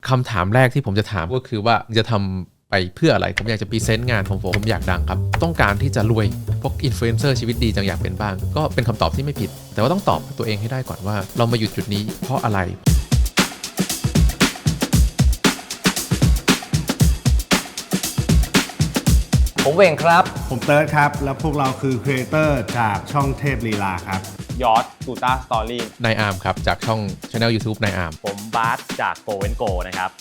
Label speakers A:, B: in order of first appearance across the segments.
A: คำถามแรกที่ผมจะถามก็คือว่าจะทำไปเพื่ออะไรผมอยากจะพรีเซนต์งานของผมอยากดังครับต้องการที่จะรวยพวกอินฟลูเอนเซอร์ชีวิตดีจังอยากเป็นบ้างก็เป็นคำตอบที่ไม่ผิดแต่ว่าต้องตอบตัวเองให้ได้ก่อนว่าเรามาอยู่จุดนี้เพราะอะไร
B: ผมเวงครับ
C: ผมเติร์ดครับแล้วพวกเราคือครีเอเตอร์จากช่องเทพลีลาครับ
D: ยอร์ดกูต้าสตอรี่
A: นายอาร์มครับจากช่อง Channel YouTube นายอาร์ม
D: ผมบาสจากโกเวนโกนะครับ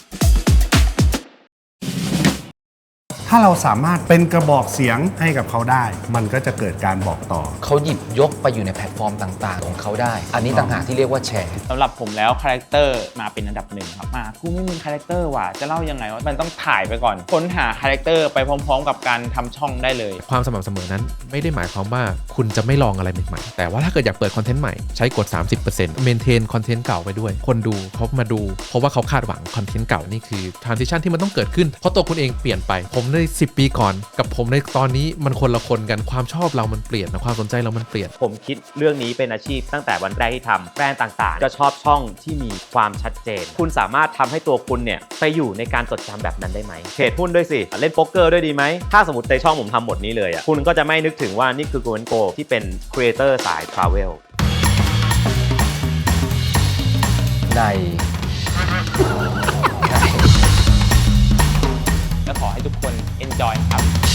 C: ถ้าเราสามารถเป็นกระบอกเสียงให้กับเขาได้มันก็จะเกิดการบอกต่อ
B: เขาหยิบยกไปอยู่ในแพลตฟอร์มต่างๆของเขาได้อันนี้ต่างหากที่เรียกว่าแชร์
D: สำหรับผมแล้วคาแรคเตอร์มาเป็นอันดับหนึ่งครับกูไม่มีคาแรคเตอร์ว่ะจะเล่ายังไงว่ามันต้องถ่ายไปก่อนค้นหาคาแรคเตอร์ไปพร้อมๆกับการทำช่องได้เลย
A: ความสม่ำเสมอนั้นไม่ได้หมายความว่าคุณจะไม่ลองอะไรใหม่ๆแต่ว่าถ้าเกิดอยากเปิดคอนเทนต์ใหม่ใช้กด 30% เมนเทนคอนเทนต์เก่าไปด้วยคนดูเขามาดูเพราะว่าเขาคาดหวังคอนเทนต์เก่านี่คือ transition ที่มันต้องเกิดขึ้นเพราะตัวคุณเองเปลี่ยนไปผมใน10 ปีก่อนกับผมในตอนนี้มันคนละคนกันความชอบเรามันเปลี่ยนนะความสนใจเรามันเปลี่ยน
D: ผมคิดเรื่องนี้เป็นอาชีพตั้งแต่วันแรกที่ทำแบรนด์ต่างๆก็ชอบช่องที่มีความชัดเจนคุณสามารถทำให้ตัวคุณเนี่ยไปอยู่ในการจดจำแบบนั้นได้ไหมเทรดหุ้นด้วยสิเล่นโป๊กเกอร์ด้วยดีไหมถ้าสมมติในช่องผมทำหมดนี้เลยคุณก็จะไม่นึกถึงว่านี่คือโกเวนโกที่เป็นครีเอเตอร์สายทราเวลและขอให้ทุกคน enjoy ครับ